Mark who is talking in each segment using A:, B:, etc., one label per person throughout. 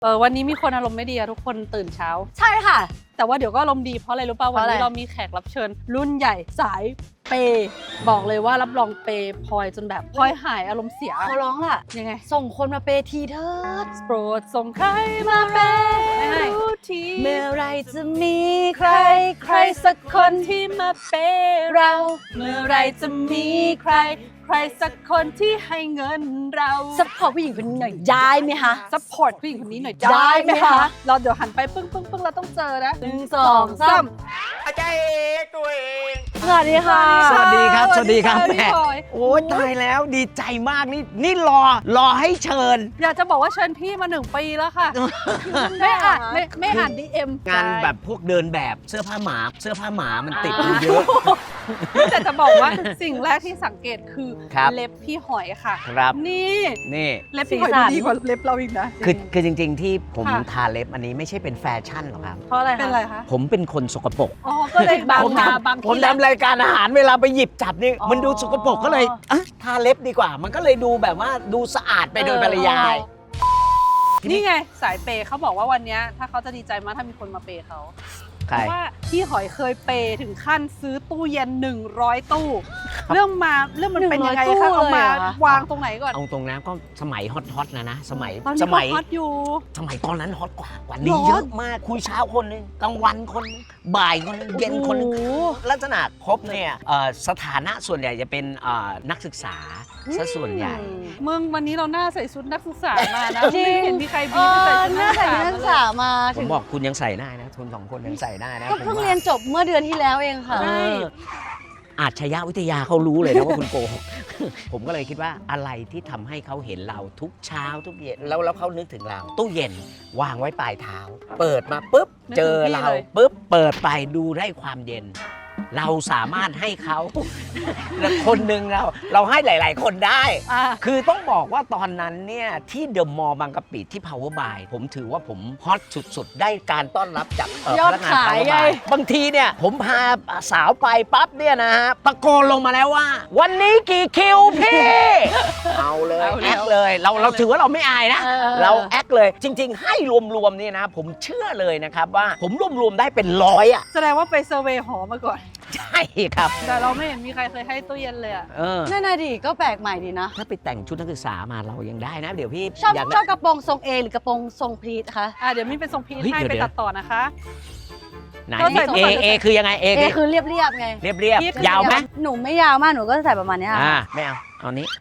A: วันนี้มีคนอารมณ์ไม่ดีอะทุกคนตื่นเช้า
B: ใช่ค่ะ
A: แต่ว่าเดี๋ยวก็อารมณ์ดีเพราะอะไรรู้ป่ะวันนี้เรามีแขกรับเชิญรุ่นใหญ่สายเปย์บอกเลยว่ารับรองเปย์พลอยจนแบบพลอยหายอารมณ์เสีย
B: เขาร้องล่ะ
A: ยังไง
B: ส่งคนมาเปย์ทีเถิด
A: โปรดส่งใครมาเปย์ที
B: เมื่อไรจะมีใคร
A: ใครสักคนที่มาเปย์เราเมื่อไรจะมีใครสักคนที่ให้เงินเรา
B: ซัพพอร์ตผู้หญิงคนนี้หน่อยได้ไหมคะ
A: ซัพพอร์ตผู้หญิงคนนี้หน่อยได้ไหมคะเราเดี๋ยวหันไปปึ้งเราต้องเจอนะ
B: 1 2 3
C: อาจารย์ตัวเอง
B: สวัสดีค่ะ
C: สวัสดีครับสวัสดีครับแม่
A: โอ้
C: ยตายแล้วดีใจมากนี่รอให้เชิญ
A: อยากจะบอกว่าเชิญพี่มา1 ปีแล้วค่ะไม่อ่าน DM
C: งานแบบพวกเดินแบบเสื้อผ้าหมามันติดเยอะ
A: แต่จะบอกว่าสิ่งแรกที่สังเกตคือเล็บพี่หอยค่ะ
C: ครับ
A: นี่เล็บพี่หอยดีกว่าเล็บเราอีกนะ
C: คือจริงๆที่ผมทาเล็บอันนี้ไม่ใช่เป็นแฟชั่นหรอกครับ
A: เพราะอะไรเป็นอะไรคะ
C: ผมเป็นคนสกปรก
A: อ๋อก็เลยบาง
C: ผมทำรายการอาหารเวลาไปหยิบจับนี่มันดูสกปรกก็เลยทาเล็บดีกว่ามันก็เลยดูแบบว่าดูสะอาดไปโดยปริยาย
A: นี่ไงสายเปย์เขาบอกว่าวันนี้ถ้าเขาจะดีใจมากถ้ามีคนมาเปย์เขาเพราะว่าพี่หอยเคยเปย์ถึงขั้นซื้อตู้เย็น100 ตู้เรื่องมันเป็นยังไงคะเอามาวางตรงไหนก่อน
C: เอาตรงนั้นก็สมัยฮอตนะสมัย
A: ฮอตอยู่
C: สมัยตอนนั้นฮอตกว่านี้เยอะมากคุยเช้าคนนึงกลางวันคนนึงบ่ายคนนึงเย็นคนนึงลักษณะครบเนี่ยสถานะส่วนใหญ่จะเป็นนักศึกษาซะส่วนใหญ่
A: มึงวันนี้เราหน้าใส่ชุดนักศึกษามานะไม่เห็นมีใครบีไม่ใส่ชุดนั
B: กศึกษามา
C: ผมบอกคุณยังใส่ได้นะทุน2 คนยังใส่ได้นะ
B: ก็เพิ่งเรียนจบเมื่อเดือนที่แล้วเองค่ะ
C: อาชญาวิทยาเขารู้เลยนะว่าคุณโกหกผมก็เลยคิดว่าอะไรที่ทำให้เขาเห็นเราทุกเช้าทุกเย็นแล้วเขานึกถึงเราตู้เย็นวางไว้ปลายเท้าเปิดมาปุ๊บเจอเราปุ๊บเปิดไปดูได้ความเย็นเราสามารถให้เขาคนหนึ่งเราให้หลายๆคนได้คือต้องบอกว่าตอนนั้นเนี่ยที่เดอะมอลล์บางกะปิที่ Power by ผมถือว่าผมฮอตสุดๆได้การต้อนรับจากพนักงาน Power by บางทีเนี่ยผมพาสาวไปปั๊บเนี่ยนะฮะตะโกนลงมาแล้วว่าวันนี้กี่คิวพี่เอาเลยแอคเลยเราถือว่าเราไม่อายนะเราแอคเลยจริงๆให้รวมๆเนี่ยนะผมเชื่อเลยนะครับว่าผมรวมๆได้เป็น100อ่ะ
A: แสดงว่าไปเซอร์เวย์หอมาก่อน
C: ใช่ครับ
A: แต่เราไม่เห็นมีใครเคยให้ตู้เย็นเลยอ่ะ
B: นั่นน่ะดิก็แปลกใหม่ดีนะ
C: ถ้าไปแต่งชุดนักศึกษามาเรายังได้นะเดี๋ยวพี่
B: ชอบกระโปรงทรงเอหรือกระโปรงทรงพีทคะ
A: เดี๋ยวมีเป็นทรงพีทให้ไปตัดต่อนะคะ
C: ไหนเอคือยังไงเอ
B: คือเรียบไง
C: เรียบยาวไหม
B: หนูไม่ยาวมากหนูก็ใส่ประมาณนี้
C: ไม่เอานี้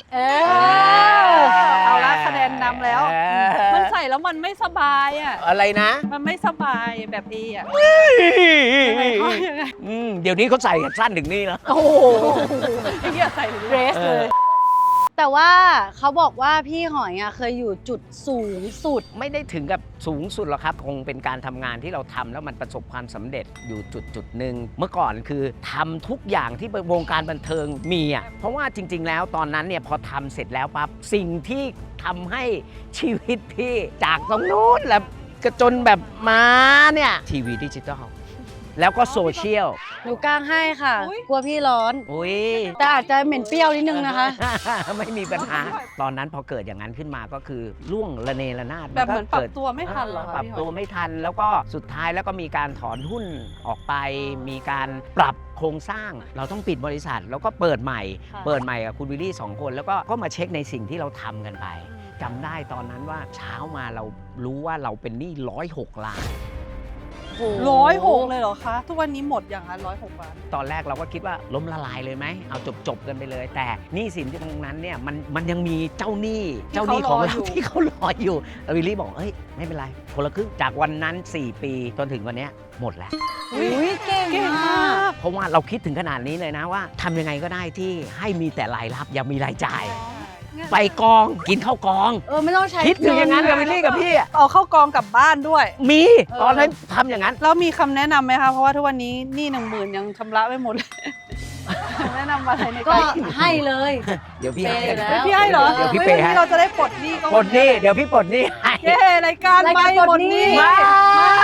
A: เอาละคะแนนนำแล้วมันใส่แล้วมันไม่สบายอ่ะ
C: อะไรนะ
A: มันไม่สบายแบบเออ่ะ
C: เดี๋ยวนี้เขาใส่สั้นถึงนี่แล้ว
A: โอ้โหไอ้เหี้ยใส่เดรสเลย
B: แต่ว่าเขาบอกว่าพี่หอยเคยอยู่จุดสูงสุด
C: ไม่ได้ถึงกับสูงสุดหรอกครับคงเป็นการทำงานที่เราทำแล้วมันประสบความสำเร็จอยู่จุดหนึ่งเมื่อก่อนคือทำทุกอย่างที่วงการบันเทิงมีอ่ะเพราะว่าจริงๆแล้วตอนนั้นเนี่ยพอทำเสร็จแล้วปั๊บสิ่งที่ทำให้ชีวิตพี่จากตรงนู้นแล้วก็จนแบบมาเนี่ยทีวีดิจิตอลแล้วก็โซเชียล
B: หนูกางให้ค่ะกลัวพี่ร้อนแต่อาจจะเหม็นเปรี้ยวนิดนึงนะคะ
C: ไม่มีปัญหาตอนนั้นพอเกิดอย่างนั้นขึ้นมาก็คือล่วงระเนระนาด
A: แบบเหมือนปรับตัวไม่ทันเหรอ
C: ปรับตัวไม่ทันแล้วก็สุดท้ายแล้วก็มีการถอนหุ้นออกไปมีการปรับโครงสร้างเราต้องปิดบริษัทแล้วก็เปิดใหม่กับคุณวิลลี่2 คนแล้วก็มาเช็คในสิ่งที่เราทำกันไปจำได้ตอนนั้นว่าเช้ามาเรารู้ว่าเราเป็นหนี้106 ล้าน
A: 106เลยเหรอคะทุกวันนี้หมดอย่างนั้น106 ล้าน
C: ตอนแรกเราก็คิดว่าล้มละลายเลยไหมเอาจบกันไปเลยแต่หนี้สินที่ตรงนั้นเนี่ยมันยังมีเจ้าหนี้ของเราที่เขารออยู่วิลลี่บอกไม่เป็นไรคนละครึ่งจากวันนั้น4 ปีจนถึงวันนี้หมดแล้ว
B: เก่งมาก
C: เพราะว่าเราคิดถึงขนาดนี้เลยนะว่าทำยังไงก็ได้ที่ให้มีแต่รายรับอย่ามีรายจ่ายไปกองกินข้าวกอง
B: ไม่ต้องใช้
C: คิดถึงอย่างนั้นกับวิลลี่กับพี่
A: เอาเข้ากองกลับบ้านด้วย
C: มีตอนนั้นทำอย่างนั้น
A: แล้วมีคำแนะนำไหมคะเพราะว่าทุกวันนี้หนี้10,000ยังชำระไม่หมดแนะนำอะไรใน
B: ก็ให้เลย
C: เดี๋ยวพี่ให้
A: พี่ให้เหรอ
C: เดี๋ยวพี่เปย์ให้
A: เราจะได้ปลดหนี้
C: เดี๋ยวพี่ปลดหนี้ให้
A: รายการไม่หมดหนี้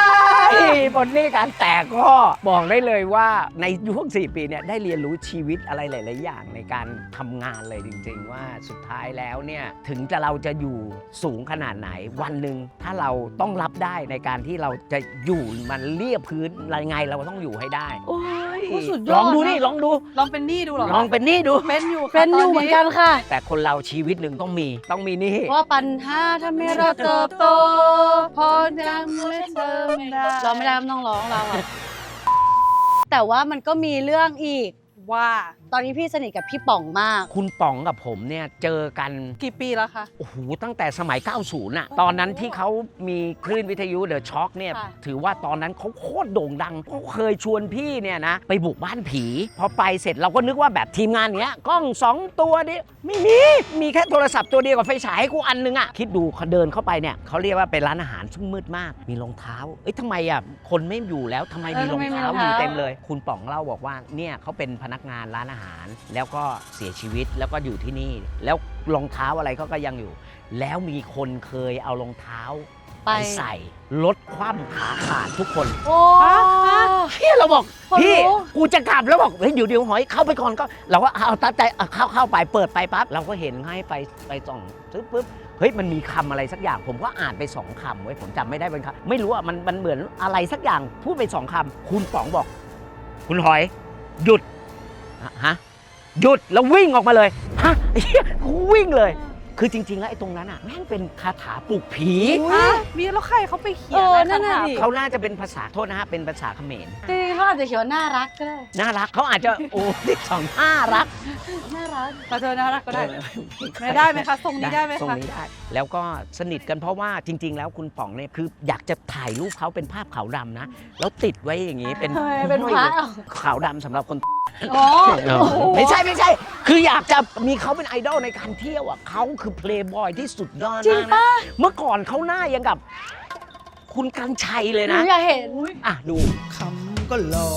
C: บนนี่การแต่ก็บอกได้เลยว่าในช่วง4 ปีเนี่ยได้เรียนรู้ชีวิตอะไรหลาย ๆ อย่างในการทำงานเลยจริง ๆ ว่าสุดท้ายแล้วเนี่ยถึงเราจะอยู่สูงขนาดไหนวันหนึ่งถ้าเราต้องรับได้ในการที่เราจะอยู่มันเรียบพื้นอะไรไงเราก็ต้องอยู่ให้ได้โอ้ย
B: โอ้สุดย
C: ล
B: อ
C: อง
B: ด
C: ดู
B: นะ
C: นี่ลองดู
A: ลองเป็นหนี้ดูเหรอ
C: ลองเป็นนี่ดู
A: เป็นอยู่ค่ะ
B: เป็นอยู่เหมือนกันค่ะ
C: แต่คนเราชีวิตหนึ่งต้องมีนี่
B: ว่าปัญหาทำให้เราเติบโตพอยังไม่เติมได้เราไม่ได้ต้องร้องเราอะแต่ว่ามันก็มีเรื่องอีก
A: ว่า
B: ตอนนี้พี่สนิทกับพี่ป๋องมาก
C: คุณป๋องกับผมเนี่ยเจอกัน
A: กี่ปีแล้วคะ
C: โอ้โหตั้งแต่สมัย 90 น่ะ ตอนนั้นที่เขามีคลื่นวิทยุเดอะช็อคเนี่ย
B: ค่ะ
C: ถือว่าตอนนั้นเขาโคตรโด่งดังเขาเคยชวนพี่เนี่ยนะ ไปบุกบ้านผี พอไปเสร็จเราก็นึกว่าแบบทีมงานเนี้ยกล้อง 2 ตัวดิไม่มีแค่โทรศัพท์ตัวเดียวกับไฟฉายให้กูอันนึงอ่ะ คิดดูเขาเดินเข้าไปเนี่ยเขาเรียกว่าเป็นร้านอาหารซึ่งมืดมาก มีรองเท้า เอ้ยทำไมอ่ะคนไม่อยู่แล้วทำไมมีรองเท้าอยู่เต็มเลย คุณป๋องเล่าบอกว่าเนี่ยเขาเป็นพนักงานร้านอาหาร แล้วก็เสียชีวิตแล้วก็อยู่ที่นี่ แล้วรองเท้าอะไรเขาก็ยังอยู่ แล้วมีคนเคยเอารองเท้าไปใส่ลดความขาขาดทุกคน
B: โอ้
C: พี่เราบอก
B: คน
C: พี่
B: รู้
C: กูจะกลับแล้วบอกเฮ้ยเดี๋ยวหอยเข้าไปก่อนก็เราก็เอาตัดใจเข้าไปเปิดไปปั๊บเราก็เห็นให้ไปส่องซื้อปุ๊บเฮ้ยมันมีคำอะไรสักอย่างผมก็อ่านไป2 คำไว้ยผมจำไม่ได้เป็นคำไม่รู้อ่ะมันเหมือนอะไรสักอย่างพูดไป2 คำคุณป๋องบอก คุณหอยหยุดฮะหยุดแล้ววิ่งออกมาเลยฮะวิ่งเลย คือจริงๆแล้วไอ้ตรงนั้นอ่ะแม่งเป็นคาถาปลุกผี
A: อ่ะมีแล้วใครเขาไปเขียน
B: นั่นน่ะดิ
C: เขาน่าจะเป็นภาษาโทษนะฮะเป็นภาษาเขมร
B: จริงๆเขาอาจจะเขียนว่าน่ารักก็ได้
C: น่ารักเขาอาจจะโอ้สองน่ารัก
B: น่ารัก
A: มาเจอน่ารักก็ได้ ไม่ได้ไหมคะทรงนี้ได้ไหม
C: ทรง
A: คะ
C: นี้ได้ แล้วก็สนิทกันเพราะว่าจริง ๆ แล้วคุณป๋องเนี่ยคืออยากจะถ่ายรูปเขาเป็นภาพขาวดำนะ แล้วติดไว้อย่างนี้เป็น
B: ทำไมเป็นพระ
C: ขาวดำสำหรับคน
B: อ๋อ
C: ไม่ใช่ คืออยากจะมีเขาเป็นไอดอลในการเที่ยวอ่ะเขาคือเพลย์บอยที่สุดยอด
B: จริง
C: มาก
B: ปะ
C: นะเมื่อก่อนเขาหน้ายังกับ คุณกันชัยเลย
B: หนู
C: นะ
B: อยากเห็น
C: อ่ะดู
D: คำก็หลอ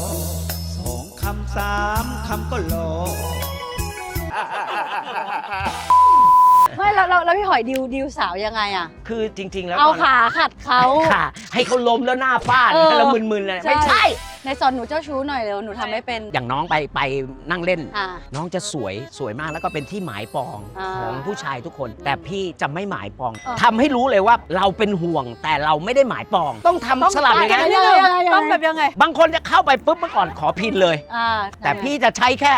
D: 2 คำ 3 คำก็หลอ
B: ไม่แล้วพี่หอยดิวสาวยังไงอะ
C: คือจริง ๆ แล้ว
B: เอา
C: ตนนั้น
B: ขาขัดเขา
C: ค่ะให้เขาล้มแล้วหน้าฟาด
B: เออ
C: แล้วมึนๆเลย
B: ใช่
C: ไม่ใช่
B: ในสอนหนูเจ้าชู้หน่อยเร็วหนูทำไม่เป็น
C: อย่างน้องไปนั่งเล่น
B: อ่า
C: น้องจะสวยมากแล้วก็เป็นที่หมายปอง
B: อ่า
C: ของผู้ชายทุกคน แต่พี่จะไม่หมายปอง
B: เออ
C: ทำให้รู้เลยว่าเราเป็นห่วงแต่เราไม่ได้หมายปอง ต้องทำสลับอย่าง
A: ยั
C: นั้น
A: งไงต้องแบบยังไง
C: บางคนจะเข้าไปปุ๊บเมื่อก่อนขอพินเลย
B: อ่า
C: แต่พี่จะใช้แค่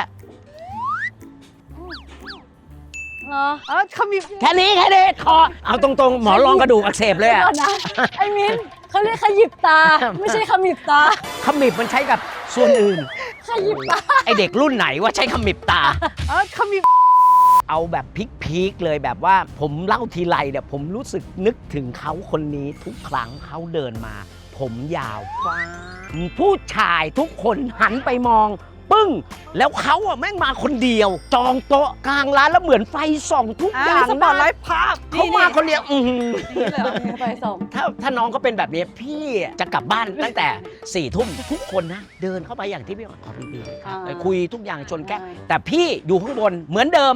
B: เหรอ
A: เขามี
C: แค่นี้คอเอาตรงๆ หมอรองกระดูกอักเสบเลย
B: เดี๋ยว
C: อะ
B: ก่อนนะไอ้มิ้นเขาเรียกขยิบตา ไม่ใช่ขมิบตา
C: ขมิบมันใช้กับส่วนอื่น
B: ขยิบตา
C: ไอเด็กรุ่นไหนว่าใช้ขมิบตา
A: เขามี
C: เอาแบบพีคๆเลยแบบว่าผมเล่าทีไรเนี่ยผมรู้สึกนึกถึงเขาคนนี้ทุกครั้งเขาเดินมา ผมยาวฟ้าผู้ชายทุกคนหันไปมอง ปึ้ง แล้วเขาอะแม่งมาคนเดียว จองโต๊ะกลางร้านแล้วเหมือนไฟส่องทุกอย่าง
A: สปอตไลท์ภาพ
C: เขามาคนเดียวอื้อหือ
A: นี่เลยเหรอ
B: ไปส่ง
C: ถ้าน้องเขาเป็นแบบนี้พี่จะกลับบ้านตั้งแต่ 4 ทุ่มทุกคนนะเดินเข้าไปอย่างที่พี่บอกขอพี่บีครับ
B: อ่า
C: คุยทุกอย่างชนแก้วแต่พี่อยู่ข้างบนเหมือนเดิม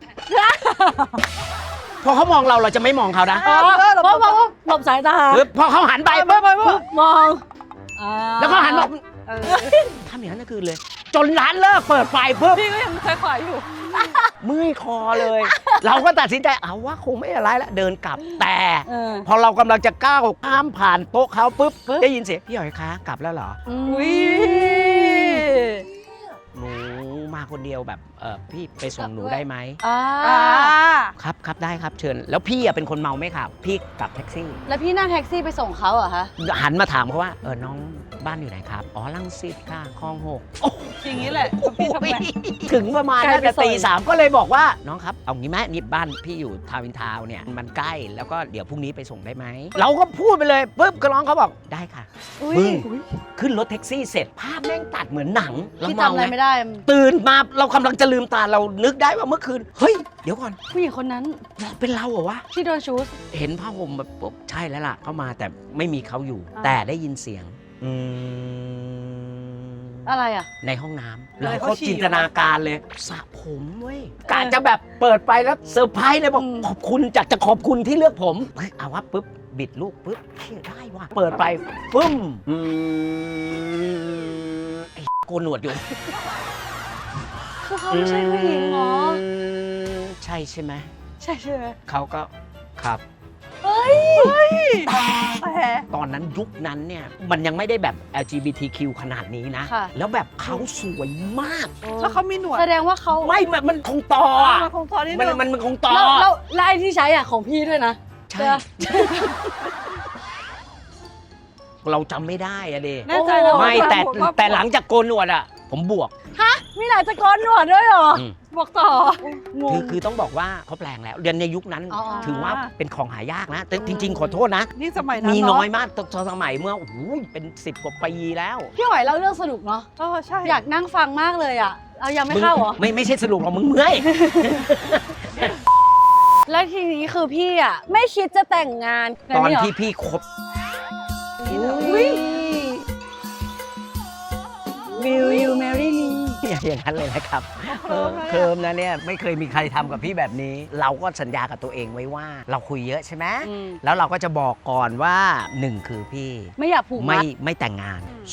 C: พอเขามองเราจะไม่มองเขานะ
B: เพราะหลบสายตา
C: คือพอเขาหันไปปุ๊บ
B: มอง
C: แล้วเขาหันมาทำอย่างนั้นก็คือเลย จนร้านเลิกเปิดไฟปุ๊บ
A: พี่ก็ยังคอยๆอยู่
C: เมื่อยคอเลย เราก็ตัดสินใจเอาว่าคงไม่อะไรแล้วเดินกลับแต่
B: เออ
C: พอเรากำลังจะก้าวข้ามผ่านโต๊ะเขาปุ๊บได้ยินเสียงพี่หอยคะกลับแล้วเหรอ
A: อุ้ย
C: หนูมาคนเดียวแบบพี่ไปส่งหนูได้ไหม
B: อ่า
C: ครับได้ครับเชิญ แล้วพี่อะเป็นคนเมาไม่ขับพี่กลับแท็กซี่
B: แล้วพี่นั่งแท็กซี่ไปส่งเขาเหรอคะ
C: หันมาถามเขาว่าน้องบ้านอยู่ไหนครับอ๋อรังสิตค่ะคลอง6
A: อย่างนี้แหละพี่ทำไง
C: ถึงประมาณ
B: ไกล
C: น่า
B: ไป
C: จะ
B: ซอย
C: ตี 3ก็เลยบอกว่าน้องครับเอางี้ไหมนี่บ้านพี่อยู่ทาวน์อินทาวน์เนี่ยมันใกล้แล้วก็เดี๋ยวพรุ่งนี้ไปส่งได้ไหมเราก็พูดไปเลยปุ๊บก็น้องเขาบอกได้ค่ะ
B: อุ้ย
C: มึงขึ้นรถแท็กซี่เสร็จภาพแม่งตัดเหมือนหนังเรา
B: พี่
C: เมา
B: จำอะไร
C: ไง
B: ไม่ได้
C: ตื่นมาเรากำลังจะลืมตาเรานึกได้ว่าเมื่อคืนเฮ้ยเดี๋ยวก่อน
B: ผู้หญิงคนนั้น
C: เป็นเราเหรอวะ
B: ที่โดนชูส
C: เห็นผ้าห่มแบบปุ๊บใช่แล้วล่ะเข้ามาแต่ไม่มีเขาอยู่ แต่ได้ยินเสียง
B: อะไรอ่ะ
C: ในห้องน้ำ
A: อะไร
C: เรา
A: เขา
C: ก็
A: ฉี่
C: จินตนาการเลยสระผมเว้ยกะจะแบบเปิดไปแล้วเซอร์ไพรส์เลยบอกขอบคุณจะขอบคุณที่เลือกผมเฮ้ยเอาวะปุ๊บบิดลูกปุ๊บเชี่ยได้ว่ะเปิดไปปึ้มไอ้โกนหนวดอยู่
B: คือเขาไม่ใช่ผู้หญิงเหรอ
C: ใช่ใช่ไหม
B: ใช่ใช่ไหม
C: เขาก็ครับ
B: เฮ้ย
A: แต่
C: ตอนนั้นยุคนั้นเนี่ยมันยังไม่ได้แบบ LGBTQ ขนาดนี้นะ
B: ค่ะ
C: แล้วแบบเขาสวยมาก
A: แล้วเขามีหนวด
B: แสดงว่าเขา
C: ไม่มันคงต่ออะ
A: มันคงตอนนี้
C: มัน
A: นึง
C: มันคงต่อ
B: แล้วไอ้ที่ใช้อ่ะของพี่ด้วยนะ
C: ใช่ เราจำไม่ได้อะเด
A: แน่ใจนะ
C: ไม่แต่
A: ว่า
C: แต่หลังจากโกนหนวดอะผมบวก
B: มีหลายตะกอนหนวดด้วยเหรอ
A: บอกต่อง
C: คือต้องบอกว่าเขาแปลงแล้วเรียนในยุคนั้น
B: อ๋อ
C: ถือว่าเป็นของหายากนะ แต่จริง ๆ ขอโทษนะ
A: นี่สมัยนั้น
C: มี
A: เะ
C: น้อยมากตอนสมัยเมื่อโอ้โหเป็น10 กว่าปีแล้ว
B: พี่หอยเล่าเรื่องสนุกเนาะ
A: ใช่
B: อยากนั่งฟังมากเลยอ่ะ เอายังไม่เข้าเหรอ
C: ไม่ใช่สรุปหรอกมึงเมื่อย
B: แล้วทีนี้คือพี่อ่ะไม่คิดจะแต่งงาน
C: ตอน
B: เหร
C: ที่พี่คบ
B: อุ๊ย Will you marry me
C: อย่างนั้นเลยนะครับเคิมนะเนี่ยไม่เคยมีใครทำกับพี่แบบนี้ เราก็สัญญากับตัวเองไว้ว่า เราคุยเยอะใช่ไหม
B: อืม
C: แล้วเราก็จะบอกก่อนว่า 1 คือพี่
B: ไม่อยากผูกมัด
C: ไม่แต่งงาน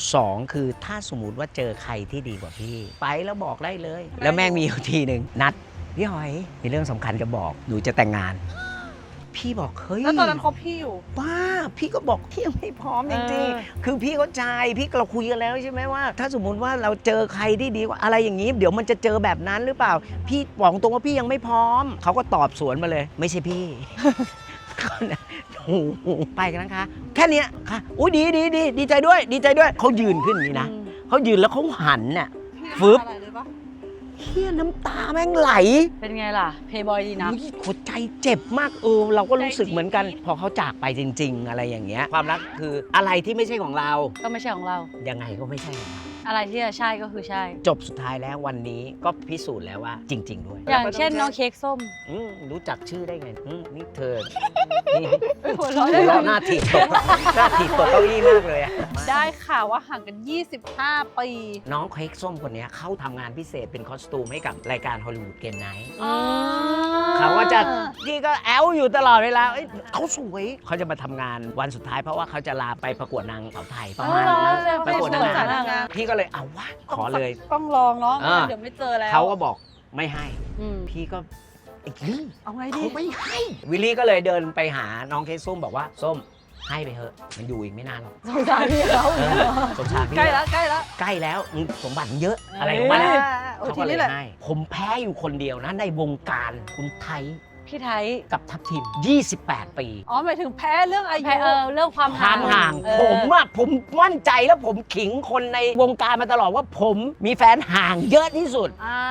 C: 2 คือถ้าสมมติว่าเจอใครที่ดีกว่าพี่ ไปแล้วบอกได้เลย แล้วแม่งมีอยู่ทีหนึ่งนัดพี่หอยมีเรื่องสำคัญจะบอกหนูจะแต่งงาน พี่บอกเฮ้ย
A: แล้วตอนนั้นคบพี่อยู่
C: บ้าพี่ก็บอกพี่ยังไม่พร้อมจริง
B: เออ
C: ๆคือพี่เข้าใจพี่เราคุยกันแล้วใช่ไหมว่า ถ้าสมมุติว่าเราเจอใครที่ดีกว่าอะไรอย่างนี้ เดี๋ยวมันจะเจอแบบนั้นหรือเปล่า พี่บอกตรงว่าพี่ยังไม่พร้อมเขาก็ตอบสวนมาเลย ไม่ใช่พี่ โอ้โหไปกันนะคะ แค่เนี้ยค่ะอุ้ยดีใจด้วยดีใจด้วยเขายืนขึ้นอย่างนี้นะเขายืนแล้วเขาหันน่ะ ฟึบ
A: อะไรเลยปะ
C: เฮียน้ำตาแม่งไหล
B: เป็นไงล่ะ เพย์บอยดีนะ
C: อุ๊ยหัวใจเจ็บมากเราก็รู้สึกเหมือนกัน พอเขาจากไปจริง ๆ อะไรอย่างเงี้ยความรักคืออะไรที่ไม่ใช่ของเรา
B: ก็ไม่ใช่ของเรา
C: ยังไงก็ไม่ใช่ของเรา
B: อะไรที่จะใช่ก็คือใช่
C: จบสุดท้ายแล้ววันนี้ก็พิสูจน์แล้วว่าจริง ๆ ด้วย
B: อย่างเช่นน้องเค้กส้ม
C: รู้จักชื่อได้ไงนี่เธอนี่
A: หัว
C: หั
A: เราะ
C: วเราะหน้าถีบตกหน้าถีบตกเก้าอี้มากเลยอะ
A: ได้ข่าวว่าห่างกัน 25 ปี
C: น้องเค้กส้มคนเนี้ยเขาทำงานพิเศษเป็นคอสตูมให้กับรายการฮอลลีวูดเกมไนท์
B: อ๋อ
C: เขาก็จะนี่ก็แอลอยู่ตลอดเวลาเอ้ยเขาสวยเขาจะมาทำงานวันสุดท้ายเพราะว่าเขาจะลาไปประกวดนางสาวไทยประมาณนั้น ประกวดนางงามพี่ก็เลยเอาวะขอเลย
A: ต้องลองเนาะ
C: อ่า
A: เดี๋ยวไม่เจอแล้ว
C: เขาก็บอกไม่ให้
B: อืม
C: พี่ก็ไอ้ลี่
A: เอาไงดี
C: เขาไม่ให้ วิลลี่ก็เลยเดินไปหาน้องเค้กส้มบอกว่าส้มให้ไปเถอะมันอยู่อีกไม่นานหรอก
B: สงสารพี่เขา
C: เออสงสารพี่
A: ใกล้แล้วใกล้แล้ว
C: ใกล้แล้วสมบัติเยอะอะไรของมัน
A: อ่า
C: อะ
A: โอ้
C: เขา
A: ที
C: ก็เล
A: นี้
C: ย
A: แหละ
C: ให้ผมแพ้อยู่คนเดียวนะในวงการคุณไทย
B: พี่ไทย
C: กับทัพทิม28 ปี
A: อ๋อหมายถึงแพ้เรื่องอายุ
B: แพ้เรื่องความ
C: ความห่าง
B: เออ
C: ผมมั่นใจแล้วผมขิงคนในวงการมาตลอดว่าผมมีแฟนห่างเยอะที่สุด
A: อ่า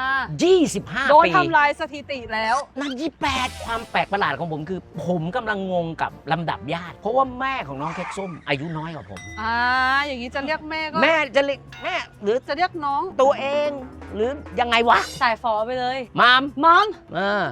C: 25
A: โดน
C: ปี
A: ทำลายสถิติแล้ว
C: นั่น28ความแปลกประหลาดของผมคือ ผมกำลังงงกับลำดับญาติ เพราะว่าแม่ของน้องเค้กส้มอายุน้อยกว่าผม
A: อ่า อย่างนี้จะเรียกแม่ก็
C: แม่จะเรียกแม่หรือ
A: จะเรียกน้อง
C: ตัวเอง หรือยังไงวะ
B: สายฟอไปเลย
C: มาม
B: มอม
A: อ่าม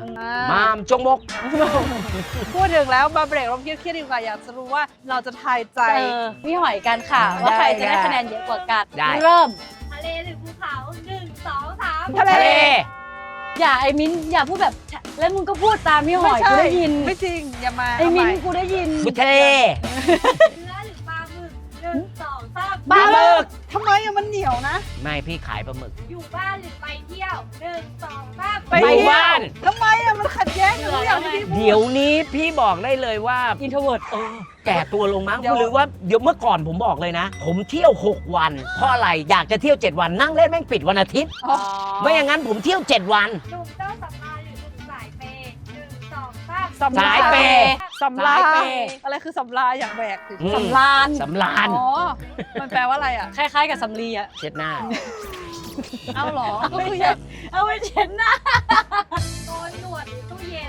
C: ามจงมก
A: พูดถึงแล้วมาเบรกเราเครียดๆดีกว่าอยากจะรู้ว่าเราจะทายใจ
B: พี่หอยกันค่ะ ว่าใครจะได้คะแนนเยอะกว่ากัน
C: ได้
B: เริ่ม
E: ทะเลหรือภูเขา1 2 3
A: ทะเล
C: ทะเล
B: อย่าไอ้มิ้นอย่าพูดแบบ แล้วมึงก็พูดตามพี่หอย
A: ไม่ใช่
B: กูได้ยิน
A: ไม่จริง อย่ามา
B: ไอ้มิ้น
A: เาให
B: กูได้ยิน
C: บุทะเล
E: เนื้อหรือปลาหมึก1 2 3
B: ปลาหมึก
A: ทำไมอะมันเหนียวนะ
C: ไม่พี่ขายปลาหมึก
E: อยู่บ้านหรือไปเที่ยว1 2 3
A: ไป
C: อยู่บ้าน
A: ทำไมอะมันขัดแย้งกันทุกอย่างที่พี่พูด
C: เดี๋ยวนี้พี่บอกได้เลยว่า
B: อินโทรเวิร์ด
C: แก่ตัวลงมั้ง
A: เดี๋ยว
C: หรือว่าเดี๋ยวเมื่อก่อนผมบอกเลยนะ ผมเที่ยว 6 วัน เพราะอะไรอยากจะเที่ยว 7 วันนั่งเล่นแม่งปิดวันอาทิตย์
A: อ๋อ
C: ไม่อย่างนั้นผมเที่ยว 7 วัน
E: หนุ่มเจ้าสำราญหรือหนุ่มสายเปย์1 2 3
A: สำ
C: สายเปย์
A: สำลา
B: สายเปย์
A: อะไรคือสำลาอย่างแบกสิ
C: อืม
B: สำราน
C: สำราน
A: อ๋อ มันแปลว่าอะไรอะ
B: คล้ายๆกับสำลีอะ
C: เช็ดหน้า
A: เอาเหรอ ก็คือ
B: ไม่ใช่ เอาไว้เช็ดหน้า
E: โกนหนวดหรือตู้เย็น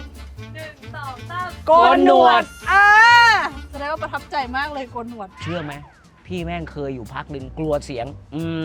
E: 1 2 3
A: โกนหนวด อ่าแสดงว่าประทับใจมากเลยโกนหนวด
C: เชื่อไหมพี่แม่งเคยอยู่พักหนึ่งกลัวเสียง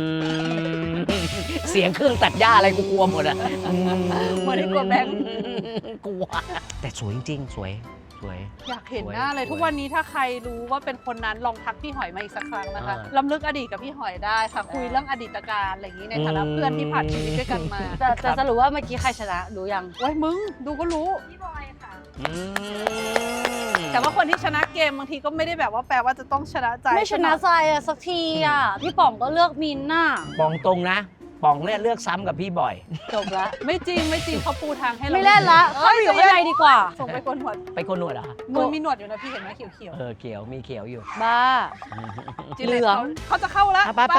C: เสียงเครื่องตัดหญ้าอะไรกูกลัวหมดอ่ะ
A: ไม่ได้กลัวแบงค์
C: กลัว แต่สวยจริงๆ สวย
A: อยากเห็นหน้าเลย
C: สวย
A: ทุกวันนี้ถ้าใครรู้ว่าเป็นคนนั้นลองทักพี่หอยมาอีกสักครั้งนะคะ
C: อ่า
A: ล้ำลึกอดีตกับพี่หอยได้ค่ะ คุยเรื่องอดีตการอะไรอย่างนี้ในฐานะเพื่อนที่ผ่านชีวิตด้วยกันมา
B: แต่สรุปว่าเมื่อกี้ใครชนะรู้ยัง
A: โอ้ยมึงดูก็รู้
E: พี่บอยค่ะ
A: แต่ว่าคนที่ชนะเกมบางทีก็ไม่ได้แบบว่าแปลว่าจะต้องชนะใจ
B: ไม่ชนะใจอะสักทีอะพี่ป๋องก็เลือกมินน่ะ
C: ปองตรงนะปองเนี่ยเลือกซ้ำกับพี่บ่อย
B: จบละ
A: ไม่จริงเขาปูทางให้เรา
B: ไม่เล่นละเข้าไปอยู่ข้างในดีกว่า
A: ส่งไปโกนหัว
C: ไปโกนหนวดเหรอ
A: มือมีหนวดอยู่นะพี่เห็นไหมเขียว
C: เขียวมีเขียวอยู่
B: บ้า
A: ๆจิ
B: เหลือง
A: เขาจะเข้าแล้ว
C: ไป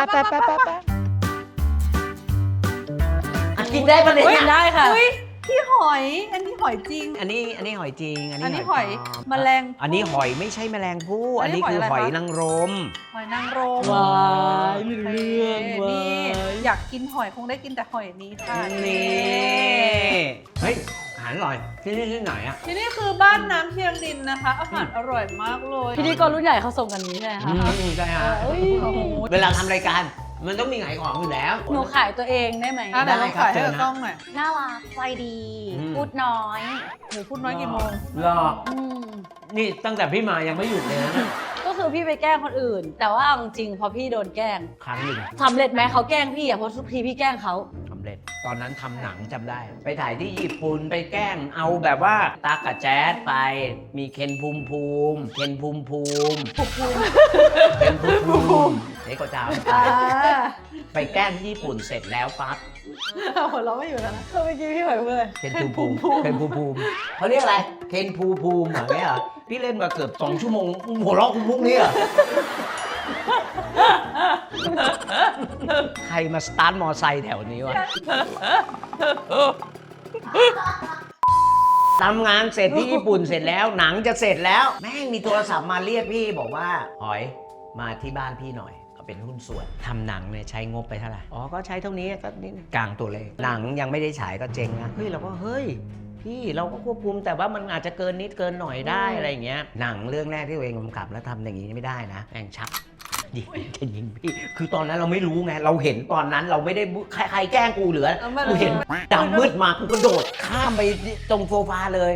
C: กินได้ปะเนี่ย
B: กินได้ค่ะ
A: อุ้ยพี่หอย อันนี้หอยจริง
C: อันนี้หอยจริง
A: อันนี้หอย
C: ปลอ
A: แมลง
C: อันนี้หอยไม่ใช่แมลงภู่
A: อั
C: อั
A: น
C: น
A: นี้
C: นี้คือ
A: ห
C: ห
A: อ
C: อย ย
A: อะไรคะ
C: นางรม
A: หอยนางรม
B: ว้ายเรื่อง
A: นี่อยากกินหอยคงได้กินแต่หอยนี้ค่ะ
C: นี่เฮ้ยอาหารอร่อยที่นี่ที่ไหนอ่ะ
A: ที่นี่คือบ้านน้ำเทียมดินนะคะ อาหารอร่อยมากเลย
B: พิธีกรรุ่นใหญ่เขาส่งกันนี้ใช่ไหมคะ
C: ใช่ฮะ
B: เอ้ย
C: เวลาทำรายการมันต้องมีขายของอยู่แล้ว
B: หนูขายตัวเองได้ไหม
A: อ่ะเดี๋ยวเรา
C: ได้ครับ
A: ขายให้
C: เชิญ
A: กับ
C: นะ
A: กล้องหน่อย
B: น่ารักใจดี
C: อืม
B: พูดน้อย
A: หนูพูดน้อยกี่โมง
C: รอ
B: อืม
C: นี่ตั้งแต่พี่มายังไม่หยุดเลยนะ
B: ก็คือพี่ไปแกล้งคนอื่น แต่ว่าเอาจริงๆพอพี่โดนแกล้ง
C: ครั้งหนึ่ง
B: สำเร็จไหมเขาแกล้งพี่อ่ะเพราะทุกทีพี่แกล้งเขา
C: สำเร็จ ตอนนั้นทำหนังจำได้ ไปถ่ายที่ญี่ปุ่นไปแกล้งเอาแบบว่าตากับแจ๊ดไป มีเคนภูมิภูมิเคนภูมิภูมิเคนภูมิภูมิเด็กก็จาม
A: อ่า
C: ไปแกล้งที่ญี่ปุ่นเสร็จแล้วปั๊บ
A: หัวเราะไม่อยู่แล้วนะ
B: เมื่อกี้พี่หอยพูดเลย
C: เคนภูมิภูมิเคนภูมิภูมิเขาเรียกอะไรเคนภูมิภูมิเหรอเนี่ยเหรอพี่เล่นมาเกือบ2 ชั่วโมงหัวเราะมุกนี้เหรอใครมาสตาร์ทมอไซค์แถวนี้วะทำงานเสร็จที่ญี่ปุ่นเสร็จแล้วหนังจะเสร็จแล้ว แม่งมีโทรศัพท์มาเรียกพี่บอกว่าหอยมาที่บ้านพี่หน่อยเขาเป็นหุ้นส่วนทำหนังเนี่ยใช้งบไปเท่าไหร่อ๋อก็ใช้เท่านี้ก็นี่กลางตัวเลขหนังยังไม่ได้ฉายก็เจ๊งนะเฮ้ยเราก็เฮ้ยพี่เราก็ควบคุมแต่ว่ามันอาจจะเกินนิดเกินหน่อยได้อะไรอย่างเงี้ยหนังเรื่องแรกที่ตัวเองกำกับแล้วทำอย่างนี้ไม่ได้นะแม่งชักยิงจะยิงพี่คือตอนนั้นเราไม่รู้ไงเราเห็นตอนนั้นเราไม่ได้ใครแกล้งกูเหลือกูเห็นดำมืดมากูกระโดดข้ามไปตรงโซฟาเลย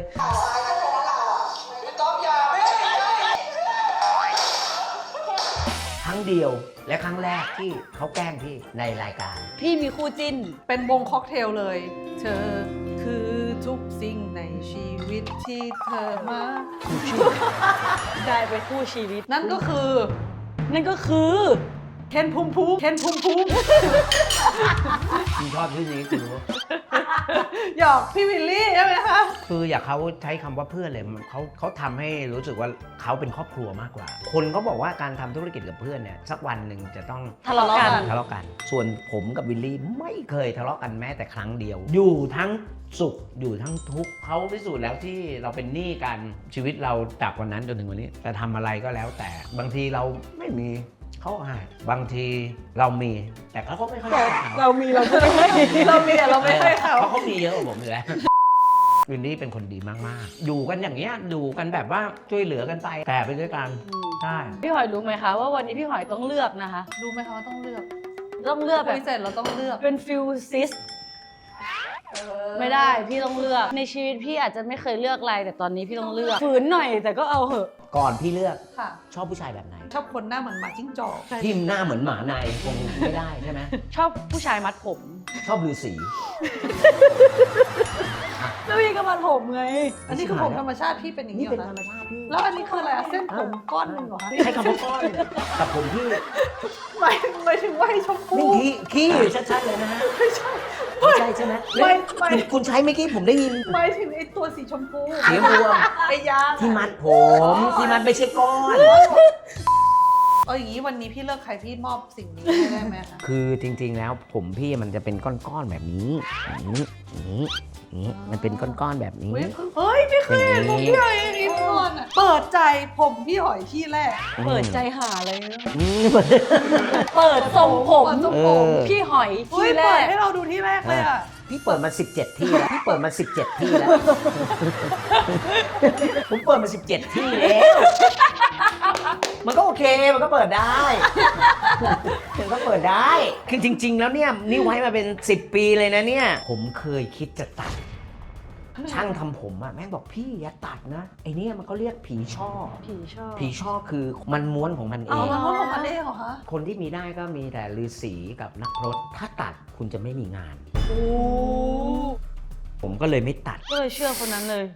C: ครั้งเดียวและครั้งแรกที่เขาแกล้งพี่ในรายการ
B: พี่มีคู่จิ้น
A: เป็นวงค็อกเทลเลย เธอคือทุกสิ่งในชีวิตที่เธอมา
B: ได้เป็นคู่ชีวิต
A: นั่นก็คือ
B: นั่นก็คือ
A: เคนภูมิภูมิเคนภูมิภูมิ
C: คุณชอบชื่อนี้คุณรู้
A: หยอกพี่วิลลี่ใช่ไหมคะ
C: คืออยากเขาใช้คำว่าเพื่อนเลยเขาทำให้รู้สึกว่าเขาเป็นครอบครัวมากกว่า คนเขาบอกว่าการทำธุรกิจกับเพื่อนเนี่ยสักวันหนึ่งจะต้อง
B: ทะเลาะกัน
C: ทะเลาะกัน ส่วนผมกับวิลลี่ไม่เคยทะเลาะกันแม้แต่ครั้งเดียว อยู่ทั้งสุขอยู่ทั้งทุกข์เขาพิสูจน์แล้วที่เราเป็นหนี้กันชีวิตเราจากวันนั้นจนถึงวันนี้จะทำอะไรก็แล้วแต่บางทีเราไม่มีเขาให้บางทีเรามีแต่เขาก็ไม่ค่อยให้เขา
B: เรามีเราก็ไม่ให้
A: เรามีแต่เราไม่ให้เขา
C: เพราะเขามีเยอะกว่าผมอยู่แล้ววินนี่เป็นคนดีมากๆ อยู่กันอย่างเงี้ยอยู่กันแบบว่าช่วยเหลือกันไปแต่ไปด้วยกันใช่
B: พี่หอยรู้ไหมคะว่าวันนี้พี่หอยต้องเลือกนะคะ
A: รู้ไหมคะว่าต้องเลือก
B: ต้องเลือกแบ
A: คุ
B: บ
A: ยเสร็จเราต้องเลือก
B: เป็นฟิลซิสไม่ได้พี่ต้องเลือกในชีวิตพี่อาจจะไม่เคยเลือกอะไรแต่ตอนนี้พี่ต้องเลือกฝืนหน่อยแต่ก็เอาเหอะ
C: ก่อนพี่เลือก
A: ค่ะ
C: ชอบผู้ชายแบบไหน
A: ชอบคนหน้าเหมือนหมาจิ้งจอก
C: ที่หน้าเหมือนหมาในคงไม่ได้ใช่ไหม
B: ชอบผู้ชายมัดผม
C: ชอบฤาษี
B: แล้วพี่ก็มัดผมไง
A: อันนี้คือผมธรรมชาติพี่เป็นอย่างนี้
C: นี่
A: เหร
C: เป็น
A: อ
C: ธรรม
A: คะ
C: ชาติพี่
A: แล้วอันนี้คืออะไรอะเส้นผมก้อนหนึ่งเหรอคะ
C: ใช้คำว่าก้อนแต่ผมพี่
A: หมายถึงว่าให้ชมพู
C: นี่ขี้ชัดๆเลยนะฮะไม่ใช่ใช่ไหม
A: ไม่
C: คุณใช้เมื่อกี้ผมได้ยิน
A: หมายถึงไอ้ตัวสีชมพู
C: เสียงรวม
A: ไอ้ยาง
C: ที่มัดผมที่มัดไม่ใช่ก้อน
A: เอาอย่างนี้วันนี้พี่เลือกใครพี่มอบสิ่งนี้ให้ได้ไหมคะ
C: คือจริงๆแล้วผมพี่มันจะเป็นก้อนๆแบบนี้อย่างนี้มันเป็นก้อนๆแบบนี้
A: เฮ้ยไม่เคยเห็นผมพี่หอยอย่างนี้มาก่อนอะเปิดใจผมพี่หอยที่แรก
B: เปิดใจหาอะไรนะ
C: อืม
B: เปิดทรงผม
A: เปิดทรงผม
B: พี่หอย
A: เฮ้ย
B: ที่แร
A: เปิด
B: ก
A: ให้เราดูที่แรกเลยอะ
C: พี่เปิดมา17 ที่แล้วพี่เปิดมา17 ที่แล้ว ผมเปิดมา17 ที่แล้ว มันก็โอเค มันก็เปิดได้ มันก็เปิดได้ คือจริง ๆ แล้วเนี่ยนี่ไว้มาเป็น10 ปีเลยนะเนี่ย ผมเคยคิดจะตัด ช่างทำผมอะแม่งบอกพี่อย่าตัดนะ ไอเนี่ยมันก็เรียกผีช่อ
B: ผีชอบ
C: ผีช่อคือมันม้วนของมันเอ
A: เอา
C: ง
A: มันว่าของมันเองเหรอคะ
C: คนที่มีได้ก็มีแต่ฤาษีกับนักพรตถ้าตัดคุณจะไม่มีงาน
A: โอ้
C: ผมก็เลยไม่ตัด
B: ก็เลยเชื่อคนนั้นเลย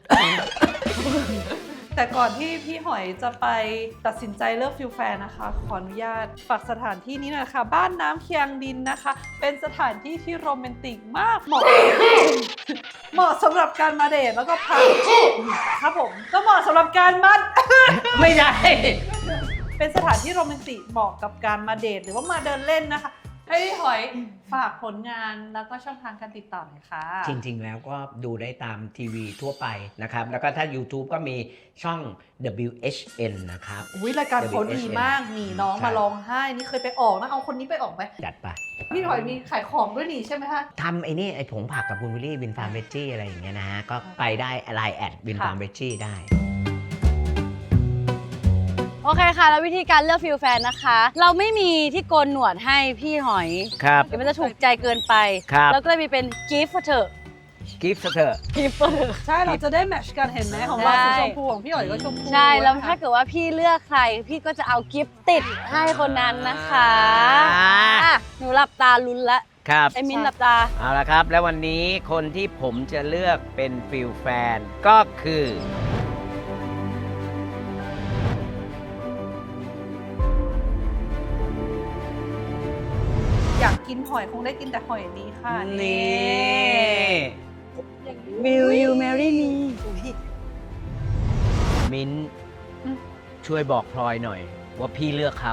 A: แต่ก่อนที่พี่หอยจะไปตัดสินใจเลือกฟิลแฟนนะคะ ขออนุญาตฝากสถานที่นี้หน่อยค่ะ บ้านน้ำเคียงดินนะคะ เป็นสถานที่ที่โรแมนติกมาก เหมาะสำหรับการมาเดทแล้วก็พาครับผมก็เหมาะสำหรับการมา
C: ไม่ได้
A: เป็นสถานที่โรแมนติกเหมาะกับการมาเดทหรือว่ามาเดินเล่นนะคะให้พี่หอยฝากผลงานแล้วก็ช่องทางการติดต่อหน่อยค่ะ
C: จริงๆ แล้วก็ดูได้ตามทีวีทั่วไปนะครับ แล้วก็ถ้า YouTube ก็มีช่อง WHN นะครับ
A: อุ้ยรายการเขาดีมากนี่น้อง
C: ใช่
A: มาร้องไห้นี่เคยไปออกนะเอาคนนี้ไปออกไหม
C: จัดไป
A: พี่หอยมีขายของด้วยนี่ใช่ไหมคะ
C: ทำไอ้นี่ไอ้ผงผักกับคุณวิลลี่วินฟาร์มเวจจี้อะไรอย่างเงี้ยนะฮะ ก็ไปได้ไลน์แอดวินฟาร์มเวจจี้ได้
B: โอเคค่ะ แล้ววิธีการเลือกฟิลแฟนนะคะ เราไม่มีที่โกนหนวดให้พี่หอย
C: ครับ
B: เดี๋ยวมันจะถูกใจเกินไป
C: ครับ
B: แล้วก็เลยมีเป็น gift for เธอ
C: กิฟต์เถอะ
B: gift for เธอ
A: ใช่เราจะได้แมทช์กันเห็นไหมของเรา
B: ใช่
A: สีชมพูของพี่หอยก็ชมพู
B: ใช่ แล้ว
A: นะคะ
B: ถ้าเกิดว่าพี่เลือกใคร พี่ก็จะเอากิฟต์ติดให้คนนั้นนะคะ
C: อ่า
B: อ่ะหนูหลับตาลุ้นละ
C: ครับ
B: ไอ้มิ้นหลับตา
C: เอาละครับ แล้ววันนี้คนที่ผมจะเลือกเป็นฟิลแฟนก็คือ
A: อยากกินหอยคงได้กินแต่หอยนี้ค่ะ
C: นี่
B: Will you marry me
C: มิ้นช่วยบอกพลอยหน่อย ว่าพี่เลือกเขา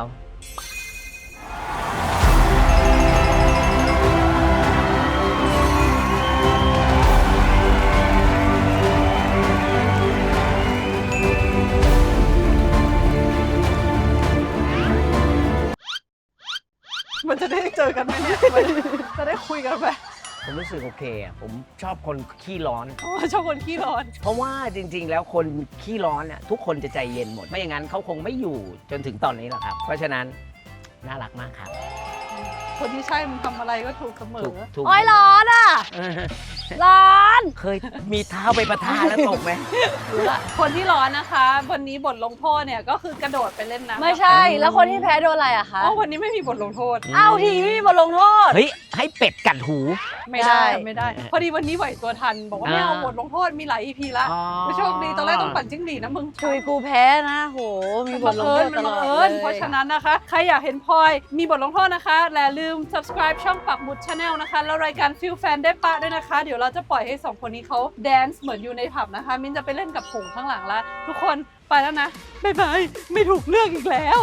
A: มันจะได้เจอกันไหมเนี่ยจะได้คุยกันไหม
C: ผมรู้สึกโอเคอ่ะผมชอบคนขี้ร้อน
A: อ๋อชอบคนขี้ร้อน
C: เพราะว่าจริงๆ แล้วคนขี้ร้อนน่ะทุกคนจะใจเย็นหมด ไม่อย่างนั้นเขาคงไม่อยู่จนถึงตอนนี้หรอกครับ เพราะฉะนั้นน่ารักมากครับ
A: คนที่ใช่มึงทำอะไรก็ถูกเสม
C: ถู
A: อ
C: กถูก
B: โอ้ยร้อนอ่ะ ร้อน
C: เคยมีเท้าไปประทาแล้วตกไหม
A: คนที่ร้อนนะคะ วันนี้บทลงโทษเนี่ยก็คือกระโดดไปเล่นน้ำ
B: ไม่ใช่ แล้วคนที่แพ้โดนอะไรอะคะ
A: อ๋อวันนี้ไม่มีบทลงโทษ
B: เอ้าทีไม่มีบทลงโทษ
C: เฮ้ย ให้เป็ดกัดหู
A: ไม่ได้
B: ได้
A: ไม่ได้ พอดีวันนี้ไหวตัวทัน บอกว่าไม่เอาบทลงโทษมีหลาย EP ละ
C: อ๋อ
A: ไม่โชคดีตอนแรกต้องปั่นจิ้งหรีดนะมึง
B: ชุยกูแพ้นะโห มีบทลงโทษตลอด
A: มันบังเอิญเพราะฉะนั้นนะคะ ใครอยากเห็นพลอยมีบทลงโทษนะคะและลืม subscribe ช่องปักหมุด Channel นะคะ แล้วรายการฟิลแฟนได้ปะด้วยนะคะ เดี๋ยวเราจะปล่อยให้2คนนี้เขาแดนซ์เหมือนอยู่ในผับนะคะ มิ้นจะไปเล่นกับผงข้างหลังแล้ว ทุกคนไปแล้วนะบ๊ายบายไม่ถูกเลือกอีกแล้ว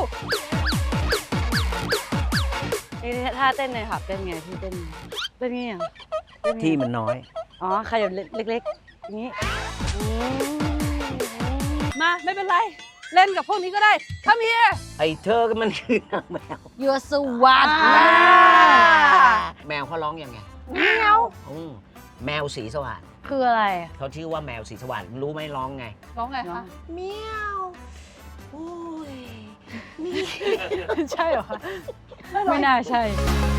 B: นี่ถ้าเต้นในผับเต้นไงพี่เต้นไงเต้นไงอ่ะเต้นไง
C: ที่มันน้อย
B: อ๋อขยับเล็กๆอย่างนี้อืม
A: มาไม่เป็นไร เล่นกับพวกนี้ก็ได้ถ้ามี
C: ไอ้เธอมันคือนางแมว
B: ยูสวัสดิ์
C: แมวเขาร้องยังไง
B: แมว
C: แมวสีสวัสดิ์
B: คืออะไร
C: เขาชื่อว่าแมวสีสวัสดิ์รู้ไหมร้องไง
A: ร้องไงคะ
C: เมียวโอ้ย
A: ใช่เหรอคะ
B: ไม่น่าใช่